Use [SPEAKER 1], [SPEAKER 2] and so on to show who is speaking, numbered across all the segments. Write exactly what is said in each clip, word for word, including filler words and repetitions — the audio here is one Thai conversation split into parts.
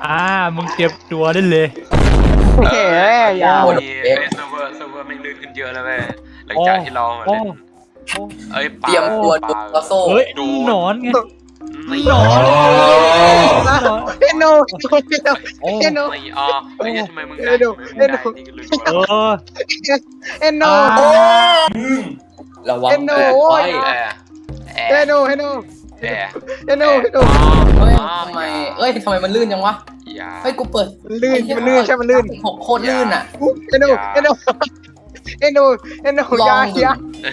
[SPEAKER 1] อ่ามึงเก็บตัวได้เลย
[SPEAKER 2] เฮ้ยยาว
[SPEAKER 3] นี่เซิร์ฟเวอร์เซิร์ฟเวอร์ไม่ลื่นขึ้นเยอะแล้วเว้ยหลังจากที่เราเล่นเอ้ย
[SPEAKER 4] เตรียมตัวดูกระโซ่
[SPEAKER 1] เฮ้ยหนอนไง
[SPEAKER 3] ไม่
[SPEAKER 1] หนอน
[SPEAKER 2] เอ็นโนเอ็นโน
[SPEAKER 3] ไม่อ๋อเฮ้ยทำไมมึงได้ทำไมมึงได้นี่ก็ลืม
[SPEAKER 1] เออ
[SPEAKER 2] เอ็นโน
[SPEAKER 4] ระวัง
[SPEAKER 2] เอ็นโน
[SPEAKER 4] เกิดไฟ
[SPEAKER 3] แอร์แอ
[SPEAKER 2] เอ็น
[SPEAKER 3] ร์
[SPEAKER 2] โนเอ็นโน
[SPEAKER 3] แอร์
[SPEAKER 2] เอ็นโนเอ็นโน
[SPEAKER 4] เฮ้ยทำไมเอ้ยทำไมมันลื่นจังวะ
[SPEAKER 3] อย่า
[SPEAKER 4] เฮ้ยกูเปิด
[SPEAKER 2] มันลื่นมันลื่นใช่มันลื่น
[SPEAKER 4] หกโคตรลื่นอ่ะ
[SPEAKER 2] เอ็นโนเอ็นโนเอ็นโนเอ็นโนยายา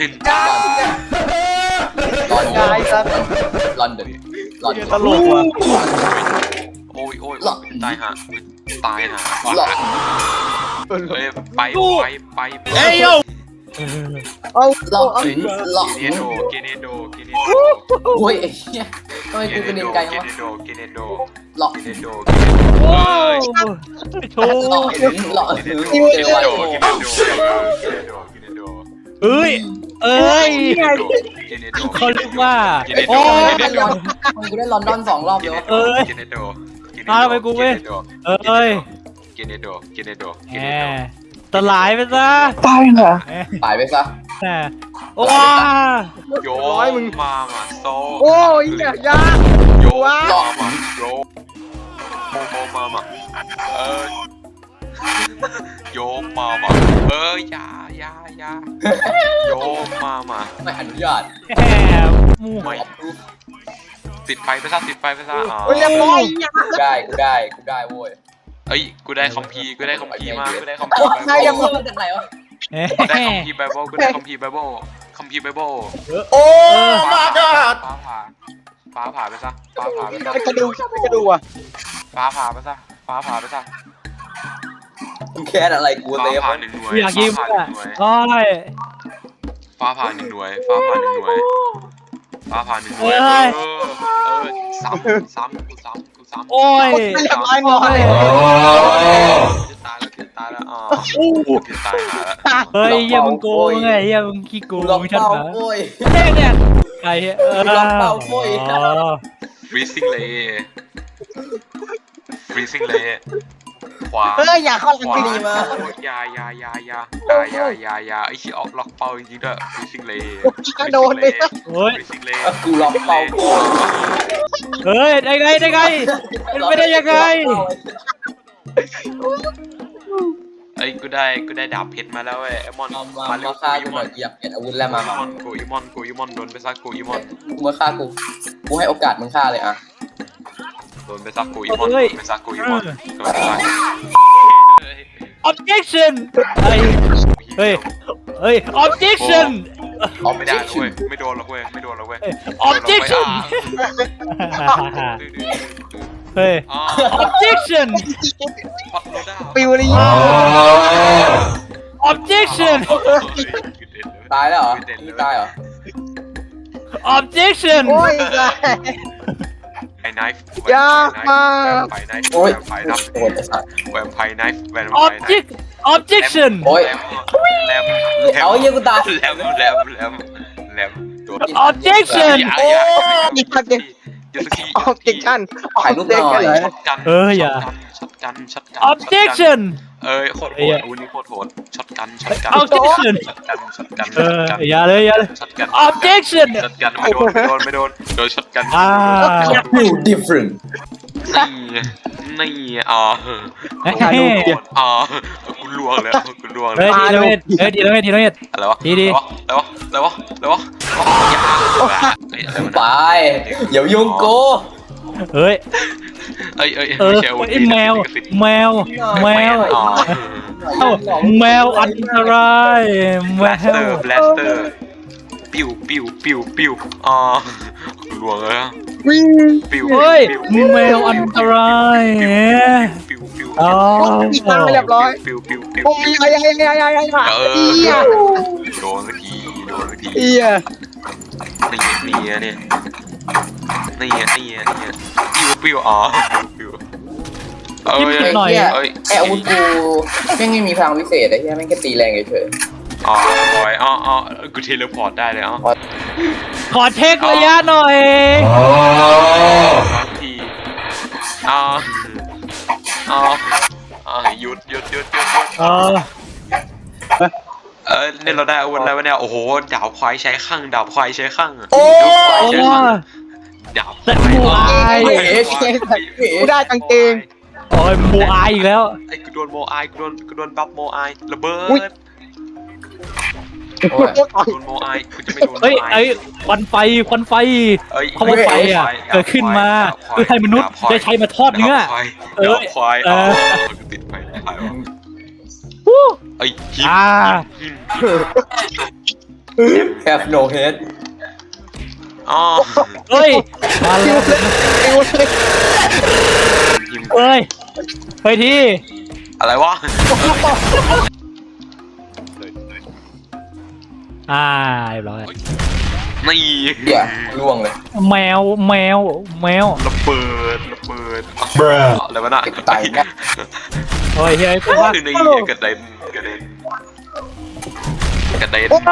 [SPEAKER 4] ลอน
[SPEAKER 2] ยาไอ้สัส
[SPEAKER 4] ลอนเดนลอน
[SPEAKER 1] ตลกว่ะ
[SPEAKER 3] โอ้ยโอ้ยตายฮะตายฮะ
[SPEAKER 4] ลอน
[SPEAKER 3] เฮ้ยไปไปไปเ
[SPEAKER 1] เอ้ยโย
[SPEAKER 2] เอา
[SPEAKER 4] ลอ
[SPEAKER 2] เอา
[SPEAKER 4] นลอน
[SPEAKER 3] กเนโดเกเนโดเกเนโด
[SPEAKER 4] โอ้ยไอ้เหี้ยทำไมกูกระเด็นไกล
[SPEAKER 3] เก
[SPEAKER 4] วะ
[SPEAKER 3] เนโดเกเนโด
[SPEAKER 4] ลอน
[SPEAKER 3] เกเนโด
[SPEAKER 1] ว้าวโช
[SPEAKER 4] ลอน
[SPEAKER 1] ว์
[SPEAKER 4] ลอน
[SPEAKER 3] เกเนโด
[SPEAKER 4] เท
[SPEAKER 3] เก
[SPEAKER 4] วา
[SPEAKER 3] เน
[SPEAKER 4] โด
[SPEAKER 3] โดเกเนโดเกเนโดเกเนโดเกเนโด
[SPEAKER 1] เอ้ยเอ้ย
[SPEAKER 3] เกเนโด
[SPEAKER 1] เขาเรียกว่า
[SPEAKER 3] เกเนโด
[SPEAKER 4] โอ้ย
[SPEAKER 3] เกเน
[SPEAKER 4] ล
[SPEAKER 3] โด
[SPEAKER 4] อนมันกูได้ลอนดอนสองรอบเลยวะ
[SPEAKER 1] เอ้ย
[SPEAKER 3] เกเนโด
[SPEAKER 1] มาทำไมกูไม่เอ้ย
[SPEAKER 3] เกเนโดเกเนโดเก
[SPEAKER 1] แห
[SPEAKER 3] เนโด
[SPEAKER 1] มสลายไปซะ
[SPEAKER 2] ตายเหรอ
[SPEAKER 4] ตายไปซะ
[SPEAKER 1] แหมว้า
[SPEAKER 3] โยมามาโซ
[SPEAKER 2] โอ้ยยายา
[SPEAKER 3] โยมามาโยโมโมมามาเออโยมามาเออยายายาโยมามา
[SPEAKER 4] ไม่อนุญาต
[SPEAKER 1] แหมมู
[SPEAKER 3] ไม่ติดไฟไปซะติดไฟไปซะอ๋อ
[SPEAKER 2] โอ้ยเรียบร้อยยา
[SPEAKER 4] กูได้กูได้กูได้โว้ย
[SPEAKER 3] เอ้ยกูได้คอมพีกูได้คอมพีมากูได้คอม
[SPEAKER 4] โอ้
[SPEAKER 3] พี
[SPEAKER 4] ใครยังมาจากไหนวะ
[SPEAKER 1] แหม
[SPEAKER 3] กูได้คอมพีไบเบิลกูได้คอมพีไบเบิลคอมพีไบเบิล
[SPEAKER 4] โอ้
[SPEAKER 3] ฟ้าผ่าฟ้าผ่าฟ้าผ่าไปซะฟ้าผ่าไปซะ
[SPEAKER 2] ไอ้กระดูกไอ้กระดูกอ่ะ
[SPEAKER 3] ฟ้าผ่าไปซะฟ้าผ่าไปซะ
[SPEAKER 4] มึงแค่อะไรกู
[SPEAKER 3] ฟ้า
[SPEAKER 4] เลย
[SPEAKER 3] ผ่าหนึ่งหน่วย
[SPEAKER 1] อยากยิง
[SPEAKER 3] ฟ้า
[SPEAKER 1] อ่ะ
[SPEAKER 3] ผ่าหนึ่งหน่วย
[SPEAKER 1] โอ้ย
[SPEAKER 3] ฟ้าผ่าหนึ่งหน่วยฟ้าผ่าหนึ่งหน่วยฟ้าผ่าหนึ่งหน่วย
[SPEAKER 1] เอ้
[SPEAKER 3] เอย อเออซ้ำซ้ำกูซ้ำกูซ้ำ
[SPEAKER 1] โอ้ย
[SPEAKER 2] เรียบร้อยหมดเลย
[SPEAKER 3] จะตายแล้วจะตายแล้วอ๋อจะตายหาแล้ว
[SPEAKER 1] เฮ้ยเหี้ยมึงโกงไงเหี้ยมึงขี้โก
[SPEAKER 4] กู
[SPEAKER 1] ง
[SPEAKER 4] ล็อก
[SPEAKER 1] ชัด
[SPEAKER 4] เป้า
[SPEAKER 1] นะ
[SPEAKER 4] โว้ย
[SPEAKER 1] เนี่ยเนี่ยไอ้เหี้ยเออ
[SPEAKER 4] ล็อกเป้าโว้ย
[SPEAKER 1] อ๋อ
[SPEAKER 3] ฟรีซิ่งเลยฟรีซิ่งเลยขวา
[SPEAKER 2] เฮ้ยอย่าเข้า
[SPEAKER 3] ขวา
[SPEAKER 2] ลังดีมา
[SPEAKER 3] ยายายายายายายายาไอ้ชี้ออกล็อกเป้าจริงๆด้วยฟรีซิ่งเลย
[SPEAKER 2] โดนเลย
[SPEAKER 1] เฮ้ย
[SPEAKER 3] ฟรีซิ่งเลย
[SPEAKER 4] กูล็อกเป้าโว้ย
[SPEAKER 1] เฮ้ยได้ไงได้ไงเป็นไปได้ยังไง
[SPEAKER 3] ไอ้กูได้กูได้ดาบเพชรมาแล้วเว้ยไอ้มอน
[SPEAKER 4] มามา
[SPEAKER 3] มาเร็
[SPEAKER 4] มาว ฆ่า
[SPEAKER 3] กู
[SPEAKER 4] กู
[SPEAKER 3] อี
[SPEAKER 4] ห
[SPEAKER 3] ม
[SPEAKER 4] น่
[SPEAKER 3] อ
[SPEAKER 4] อน ยอยากเปลี่ยนอาวุธแล้วมา
[SPEAKER 3] กู
[SPEAKER 4] มา
[SPEAKER 3] อีมอนกูอีมอนกูอีมอนโดนไปซักกูอีมอน
[SPEAKER 4] กูมาฆ่ากูกูให้โอกาสมึงฆ่าเลยอ่ะ
[SPEAKER 3] โดนไปซักกูอีมอนโดนไปซักกูอีมอนโดนไปซัก
[SPEAKER 1] objection ไอ้เฮ้ยเฮ้ย objection
[SPEAKER 3] ออกไม่ได้เว้ยไม่โดนหรอกเว้ยไม่โดนหรอกเว้ย
[SPEAKER 1] objection เฮ้ย objection
[SPEAKER 3] พัดโลด้า
[SPEAKER 2] ปิวเลย
[SPEAKER 1] objection
[SPEAKER 4] ตายแล้วเหรอนี่ตายเหรอ
[SPEAKER 1] objection
[SPEAKER 2] โอ้ย
[SPEAKER 3] ไอ้ไนฟ์
[SPEAKER 2] อย่ามา
[SPEAKER 3] ไฟไนฟ์
[SPEAKER 4] โอ้ย
[SPEAKER 3] ไฟนับ
[SPEAKER 4] โอ้ยไอ้สัตว์
[SPEAKER 3] แวมไพร์ไนฟ์แวมไพร์ไน
[SPEAKER 1] object
[SPEAKER 3] ฟ์
[SPEAKER 1] objection
[SPEAKER 4] โอ้ย
[SPEAKER 3] แลม
[SPEAKER 4] เอาเยี่ยกูตาย
[SPEAKER 3] แลมแลมแลมแลมโดน
[SPEAKER 1] objection
[SPEAKER 3] อย่าอย่า
[SPEAKER 2] อีกคันเดียว
[SPEAKER 3] อย่าสักที
[SPEAKER 2] ออบเจคชั่น
[SPEAKER 4] ถ่ายรูปหน่อย
[SPEAKER 3] ช็อตกัน
[SPEAKER 1] เอออย่า
[SPEAKER 3] ช็อตกันช็อตกัน
[SPEAKER 1] objection
[SPEAKER 3] เอ้ยโคตรโหดอุ้ยนี่โคตรโหดช็อตกันช็อตกัน
[SPEAKER 1] objection
[SPEAKER 3] ช็อตกันช็อตกัน
[SPEAKER 1] เอออย่าเลยอย่าเลย
[SPEAKER 3] ช็อตกัน
[SPEAKER 1] objection
[SPEAKER 3] ช็อตกันไม่โดนไม่โดนไม่โดนโดนช็อตกัน
[SPEAKER 1] อ่า
[SPEAKER 4] You different
[SPEAKER 3] นี่นี่อ่า
[SPEAKER 1] เฮ้ย
[SPEAKER 3] อ่ากูลวงแล้วกูลวงแล้
[SPEAKER 1] เฮ้ยว ทีละเม็ดเฮ้ยทีละเม็ดทีละเม็ด
[SPEAKER 3] อะไรวะ
[SPEAKER 1] ดีดี
[SPEAKER 3] อะไรวะอะไรวะอะไรวะยาเฮ้ยอะไรวะ
[SPEAKER 4] ไปเดี๋ยวยุ่งกู
[SPEAKER 1] เฮ้ย
[SPEAKER 3] เอ้ยเอ้ย
[SPEAKER 1] เออไอ้แมวแมวแมว
[SPEAKER 3] อ๋อ
[SPEAKER 1] เอ้าแมวอันตรายแม
[SPEAKER 3] แบลสเตอ
[SPEAKER 1] ว
[SPEAKER 3] ร์แบลสเตอร์ปิ้วปิ้วปิ้วปิ้วอ๋อลวงเลย
[SPEAKER 2] วิ่ง
[SPEAKER 3] ปิ้ว
[SPEAKER 1] เฮ้ย
[SPEAKER 3] ปิ้ว
[SPEAKER 1] แมวอันตราย
[SPEAKER 3] ปิ้วปิ้ว
[SPEAKER 1] อ๋อ
[SPEAKER 2] อีกทางเรียบร้อย
[SPEAKER 3] ปิ้วปิ้วปิ้ว
[SPEAKER 2] โอ้ยยายายายายายา
[SPEAKER 3] เอ
[SPEAKER 2] เอี
[SPEAKER 3] อย
[SPEAKER 2] ย
[SPEAKER 3] โดนสักทีโดนสักที
[SPEAKER 2] เอีย
[SPEAKER 3] นี่นี่เนี่ยนี่นี่นี่ปิ้วปิ้วอ๋อปิ้วเอ้ย
[SPEAKER 1] หน่อย
[SPEAKER 3] เอ้ย
[SPEAKER 4] ไออาวุธกูแม่งไม่มีพลังวิเศษไอ้เหี้ยแม่งแค่ตีแรงเฉย
[SPEAKER 3] อ๋อบอยอ๋ออ๋อกูเทเลพอร์ตได้เลยอ๋อ
[SPEAKER 1] ขอเช็คระยะหน่อย
[SPEAKER 3] ทีอ๋ออ๋ออ๋อหยุดหยุดหยุดหยุดหยุด
[SPEAKER 1] เออ
[SPEAKER 3] เออเนี่ยเราได้อาวุธอะไรวะเนี่ยโอ้โหดาบควายใช้ข้างดาบควายใช้ข้าง
[SPEAKER 4] โอ้
[SPEAKER 3] ดาบควาย
[SPEAKER 1] โอ้
[SPEAKER 3] ใช้ข้างดาบควาย
[SPEAKER 2] กูได้กางเกง
[SPEAKER 1] โอ้ยโมอายอีกแล้ว
[SPEAKER 3] ไอ้กูโดนโมอายกูโดนกูโดนบัฟโมอายระเบิ
[SPEAKER 2] อุ๊ย
[SPEAKER 3] ด
[SPEAKER 4] โอ้ย
[SPEAKER 3] โดนโมอายกูจะไม่โดน
[SPEAKER 1] เฮ้ย
[SPEAKER 3] โมอาย
[SPEAKER 1] ไอ้ควันไฟควันไฟ
[SPEAKER 3] เอ้ย
[SPEAKER 1] เขาว่าไฟอ่ะเกิดขึ้นมาเพื่อให้มนุษย์ได้ใช้มาทอดเนื้อ
[SPEAKER 3] ดาบควาย
[SPEAKER 1] เอ้ย
[SPEAKER 3] ดาบควาย
[SPEAKER 1] เอ
[SPEAKER 3] อ๋อ
[SPEAKER 1] อ
[SPEAKER 3] ติดไฟตายวะ
[SPEAKER 1] วู้
[SPEAKER 3] ไอ้ยหิม
[SPEAKER 1] อ่า
[SPEAKER 3] หิม
[SPEAKER 4] แคฟโนเฮด
[SPEAKER 3] อ๋อ
[SPEAKER 1] เฮ้ยมาแล้ว
[SPEAKER 3] หิม
[SPEAKER 1] เฮ้ยเฮ้ยที่
[SPEAKER 3] อะไรวะ
[SPEAKER 1] อ่าเรียบร้อย
[SPEAKER 3] นี่
[SPEAKER 4] เหี้ยล่วงเลย
[SPEAKER 1] แมวแมวแมว
[SPEAKER 3] ระเบิดระเบิดอะไรวะน่ะ
[SPEAKER 4] ตายนะ
[SPEAKER 1] เฮ้ยเฮ้ยพวกว่า
[SPEAKER 3] คือในกระเด็นกระเด็นกระเด็น
[SPEAKER 2] โอ้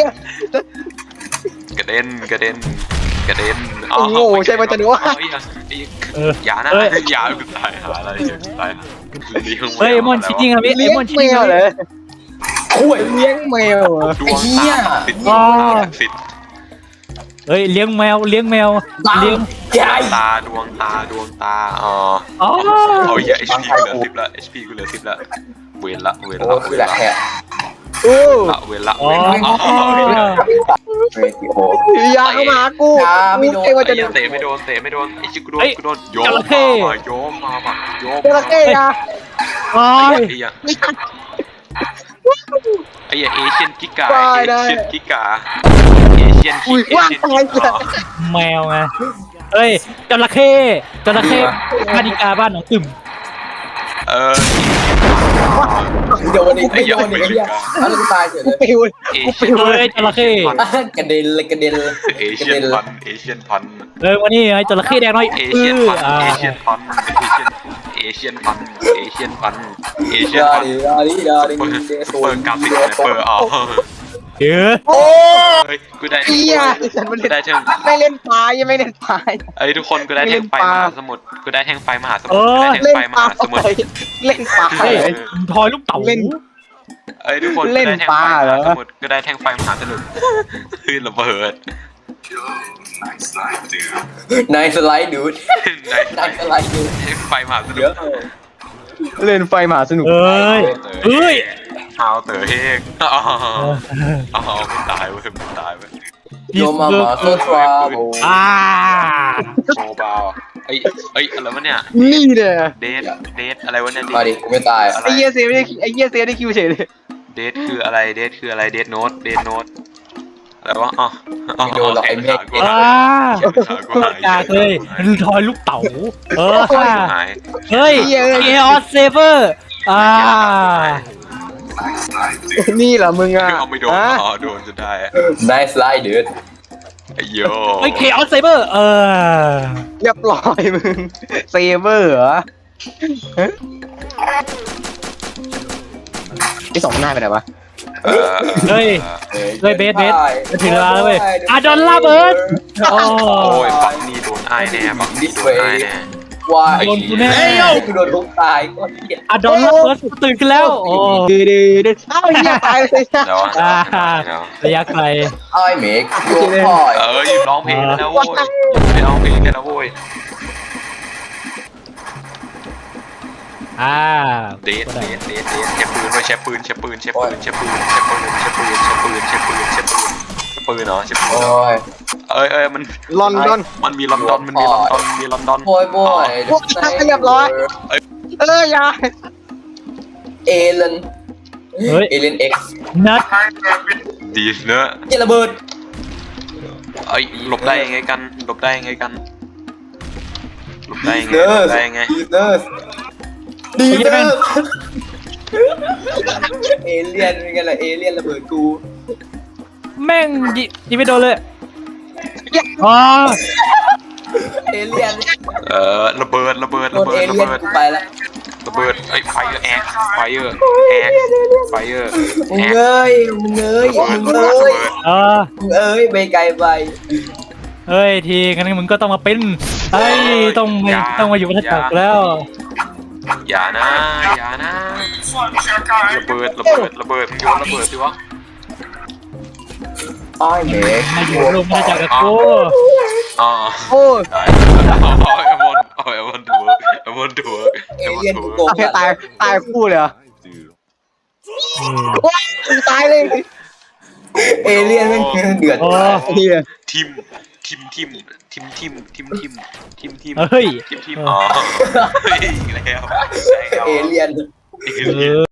[SPEAKER 3] กระเด็
[SPEAKER 2] ย
[SPEAKER 3] นกระเด็นกระเด็นกระเด็น
[SPEAKER 2] โอ้โหใช่ไหมจะดูว่า
[SPEAKER 1] เออ
[SPEAKER 3] อย่านะ
[SPEAKER 1] เฮ้ย
[SPEAKER 3] อย่ากูตายหาอะไรอย่ากูตายหา
[SPEAKER 1] เฮ้ยมอนชิจริงอ่ะพี่ไอ้
[SPEAKER 2] เลี้ยง
[SPEAKER 1] มอนชิจ
[SPEAKER 2] แม
[SPEAKER 1] ริง
[SPEAKER 2] ว
[SPEAKER 1] อ่ะ
[SPEAKER 2] เลย
[SPEAKER 4] โอ้ย
[SPEAKER 2] เลี้ยงแมวเหรอ
[SPEAKER 3] ดวงตาติดดวงตาติด
[SPEAKER 1] เฮ้ยเลี้ยงแมวเลี้ยงแมวเลี้ยง
[SPEAKER 4] ใหญ่
[SPEAKER 3] ตาดวงตาดวงตาอ๋อ
[SPEAKER 1] อ๋อ
[SPEAKER 3] เอาอย่า เอช พี กูเหลือสิบละ เอช พี กูเหลือสิบละเวรละเวร
[SPEAKER 4] โอ้
[SPEAKER 3] ละ
[SPEAKER 4] คือแหละแฮะ
[SPEAKER 2] โอ้
[SPEAKER 3] ละเวรละ
[SPEAKER 1] อ๋อ
[SPEAKER 3] เวรละอ๋อ
[SPEAKER 4] เรติโอ
[SPEAKER 2] ยาเข้ามากู
[SPEAKER 4] ยาไม่โดน
[SPEAKER 2] เอ้ว่าจะ
[SPEAKER 3] ไอ้
[SPEAKER 2] โด
[SPEAKER 3] ยั
[SPEAKER 2] น
[SPEAKER 3] งเตะไม่โดนเตะไม่โดนไอ้ชิกูโดน
[SPEAKER 1] เฮ้ย
[SPEAKER 3] กูโดนโย
[SPEAKER 1] จ
[SPEAKER 3] ม
[SPEAKER 1] ระเข้
[SPEAKER 3] มาโยมมาว่ะโยม
[SPEAKER 2] จระเข้ยา
[SPEAKER 1] โอ้ย
[SPEAKER 3] ไอ้ยังไอ้ยังเอเชียนกิกาเอเชียนกิกาเอเชียน
[SPEAKER 2] อุ้ย
[SPEAKER 3] เอ
[SPEAKER 2] ว่าง
[SPEAKER 3] เชียน
[SPEAKER 2] ตาย
[SPEAKER 3] กิ
[SPEAKER 2] เกิ
[SPEAKER 3] กา
[SPEAKER 1] แมวไงเฮ้ยจระเข้จระเข้พานิกาบ้านหนองตึม
[SPEAKER 3] เออ
[SPEAKER 4] โดนอีกไม่โดนอีกไอ้เหี้ยอะไรกูตายเฉยเลย
[SPEAKER 2] ปิว
[SPEAKER 3] เอ
[SPEAKER 2] กู
[SPEAKER 3] เชี
[SPEAKER 2] ปิ
[SPEAKER 3] ยน
[SPEAKER 2] ว
[SPEAKER 1] เฮ้ยจระเข้
[SPEAKER 4] กระเด็นเลยกระเด็นเลย
[SPEAKER 3] เอเชียนพันเอเชียนพัน
[SPEAKER 1] เฮ้ยวันนี้ไอ้จระเข้แดงน้อย
[SPEAKER 3] เอ
[SPEAKER 1] เอ
[SPEAKER 3] เชียน
[SPEAKER 1] อ
[SPEAKER 3] พัน
[SPEAKER 1] อ่า
[SPEAKER 3] เอเชียนพันเอเชียนพันเอเชียนพันเอเชียน
[SPEAKER 4] ดา
[SPEAKER 3] พัน
[SPEAKER 4] ดิดาดิดาดิ
[SPEAKER 3] เปิด
[SPEAKER 4] เดโซ
[SPEAKER 3] เปิดกราฟิกเลยเปิดอ๋อ
[SPEAKER 1] เออ
[SPEAKER 2] โอ้
[SPEAKER 3] เฮ้ยกูได้
[SPEAKER 2] เหี้ยฉันไม่
[SPEAKER 3] กูได้
[SPEAKER 2] ได้
[SPEAKER 3] แท่ง
[SPEAKER 2] ไม่เล่นปลายังไม่เล่นปลา
[SPEAKER 3] เอ้ยทุกคนกูได้แท่งไฟมหาสมุทรกูได้แท่งไฟมหาสมุท
[SPEAKER 1] เอ
[SPEAKER 3] ร
[SPEAKER 1] อ
[SPEAKER 3] กูได้แท่ง
[SPEAKER 2] เล่น
[SPEAKER 3] ไฟม
[SPEAKER 2] ปลา
[SPEAKER 3] หาสมุทร
[SPEAKER 2] เล่นปลา
[SPEAKER 1] เฮ้ยทอยลูกเต๋า
[SPEAKER 2] เล่น
[SPEAKER 3] เอ้ยทุกคน
[SPEAKER 2] เล่น
[SPEAKER 3] กูได้แท่ง
[SPEAKER 2] ป
[SPEAKER 3] ไฟ
[SPEAKER 2] ลาม เหรอ
[SPEAKER 3] หาสมุทรกูได้แท่งไฟมหาสมุทรคือระเบิด
[SPEAKER 4] นายสไลด์ดูด
[SPEAKER 3] ใน
[SPEAKER 4] นายสไลด์ดูด
[SPEAKER 3] แท่งไฟมหาสมุ
[SPEAKER 4] เดี๋ยว
[SPEAKER 3] ทร
[SPEAKER 2] เล่นไฟมหาสนุก
[SPEAKER 1] เอ้ยเอ้ย
[SPEAKER 3] เอาเต๋อเฮกอ๋ออ๋อไม่ตายเว้ยไม่ตายเว้ย
[SPEAKER 4] โยมามาโซทราโบ
[SPEAKER 1] อ่า
[SPEAKER 3] โมบาวเอ้ยเอ้ยอะไรวะเนี่ย
[SPEAKER 2] นี่เนี่ย
[SPEAKER 3] เดทเดทอะไรวะเนี่ย
[SPEAKER 4] มาดิกูไม่ตาย
[SPEAKER 3] อะไร
[SPEAKER 2] ไอ้เหี้ยเซฟได้ไอ้เหี้ยเซฟได้คิวเฉยเลย
[SPEAKER 3] เดทคืออะไรเดทคืออะไรเดทโน้ตเดทโน้ตอะไรวะอ๋อ
[SPEAKER 4] ไม่โดนหรอกไอ้เมฆ
[SPEAKER 1] อ่า อยากเลยทอยลูกเต๋าเออ
[SPEAKER 3] หาย
[SPEAKER 1] เฮ้ยเออสเซเวอร์อ่า
[SPEAKER 2] นี่เหรอมึงอ่ะ
[SPEAKER 3] เอาไม่โดน
[SPEAKER 2] ฮะ
[SPEAKER 3] อ๋อโดนจะได้
[SPEAKER 4] นายสไลด์ดูด
[SPEAKER 3] ไอ้โย
[SPEAKER 1] เฮ้ยเคออสเซเวอร์เออ
[SPEAKER 2] เรียบร้อยมึงเซเวอร์เหรอฮะไอ้สองหน้าไปไหนวะ
[SPEAKER 3] เออ
[SPEAKER 1] เฮ้ย เฮ้ยเบสเบสจะถึงเวลาแล้วเว้ยอ่ะโดนลาเบิร์ดโอ้
[SPEAKER 3] โอ้ยฝั่งนี้โดนไอ้แน่ฝั่งนี้โดนไอ้แน่
[SPEAKER 4] ว่า
[SPEAKER 1] โดนกูแน่
[SPEAKER 4] กูโดนทุกตายก็เหี้ย
[SPEAKER 1] อ่ะโดนลาเบิร์ดตื่นขึ้นแล้วโอ้
[SPEAKER 2] ดื้อดื้อดื้อเอ้าเหี้ยตายเลย
[SPEAKER 3] เดี๋ยว
[SPEAKER 1] อ่า
[SPEAKER 3] เดี๋ยว
[SPEAKER 1] ระยะไกล
[SPEAKER 4] ไอ้เมฆโยนพ่อย
[SPEAKER 3] เออหยุดร้องเพลงแล้วโว้ยหยุดไปร้องเพลงกันแล้วโว้ย
[SPEAKER 1] อ่า
[SPEAKER 3] เดทเดทเดทเดทใช้ปืนด้วยใช้ปืนใช้ปืนใช้ปืนใช้ปืนใช้ปืนใช้ปืนใช้ปืนใช้ปืนใช้ปืนใช้ปืนใช้ปืนเนาะใช้ปืน
[SPEAKER 4] โอ้
[SPEAKER 3] เนาะ
[SPEAKER 4] ย
[SPEAKER 3] เอ้ยเอ้ยมัน
[SPEAKER 2] ลอนดอน
[SPEAKER 3] มันมีลอนดอนมันมีลอนดอนมีลอนดอน
[SPEAKER 4] โอยโบย
[SPEAKER 2] พวกทักเรียบร้อย เอออย่า
[SPEAKER 4] เอเลน
[SPEAKER 1] เฮ้ย
[SPEAKER 4] เอเลนเอ็กซ์
[SPEAKER 1] นัด
[SPEAKER 3] ดีเนอะ
[SPEAKER 4] เจระเบิด
[SPEAKER 3] เอ้ยหลบได้ยังไงกันหลบได้ยังไงกันหลบได้ยังไง
[SPEAKER 4] เน
[SPEAKER 3] หล
[SPEAKER 4] อบ ร์ส
[SPEAKER 3] ได้ยังไง
[SPEAKER 4] ดีเนอร์สดีเนอร์สเอเลียนเป็นไงล่ะเอเลียนระเบิดกู
[SPEAKER 1] แม่งยิยิงไม่โดนเลยอ๋อ
[SPEAKER 4] เอเลียน
[SPEAKER 3] เออระเบิดระเบิด
[SPEAKER 4] โด
[SPEAKER 3] ระ
[SPEAKER 4] น
[SPEAKER 3] เบิ
[SPEAKER 4] เอ
[SPEAKER 3] ดระ
[SPEAKER 4] เลียน
[SPEAKER 3] เบิด
[SPEAKER 4] กูไปละ
[SPEAKER 3] ระเบิดไอ้ไฟเอ็กไฟเออร์แอกไฟเออร์
[SPEAKER 4] มึง
[SPEAKER 3] แอก
[SPEAKER 4] เอ้ยมึงเอ้ย
[SPEAKER 3] ระเบิ
[SPEAKER 4] มึ
[SPEAKER 3] ด
[SPEAKER 4] ง
[SPEAKER 3] ระ
[SPEAKER 4] เอ้
[SPEAKER 3] เบิ
[SPEAKER 4] ย
[SPEAKER 3] ด
[SPEAKER 1] เออ
[SPEAKER 4] มึงเอ้ยไปไกลไป
[SPEAKER 1] เฮ้ยทีงั้นมึงก็ต้องมาเป็นไอ้ยต้องมาต้องมาอยู่บนหน้าตักแล้ว
[SPEAKER 3] อย่านะอย่านะระเบิดระเบิดระเบิดโยนระเบิดสิวะ
[SPEAKER 4] อ้อยเมก
[SPEAKER 1] มาอยู่รวมมาจากกับกู
[SPEAKER 3] อ๋อ
[SPEAKER 2] โอ้ย
[SPEAKER 3] เอาเอมอนเอาเอมอนดูเอมอนดู
[SPEAKER 4] เอเลี่ยนกูโกง
[SPEAKER 2] โอเคตายตายคู่เลยเหรอโอ้ยตายเลย
[SPEAKER 4] เอเลี่ยนแม่งเดือด
[SPEAKER 1] โอ้
[SPEAKER 2] เฮีย
[SPEAKER 3] ทิมทิมทิมทิมทิมทิมทิมทิมทิม
[SPEAKER 1] เฮ้ย
[SPEAKER 3] ทิมทิมอ๋อเฮ้ยแล้ว
[SPEAKER 4] เอเลี่ยน
[SPEAKER 3] เอเลี่ยน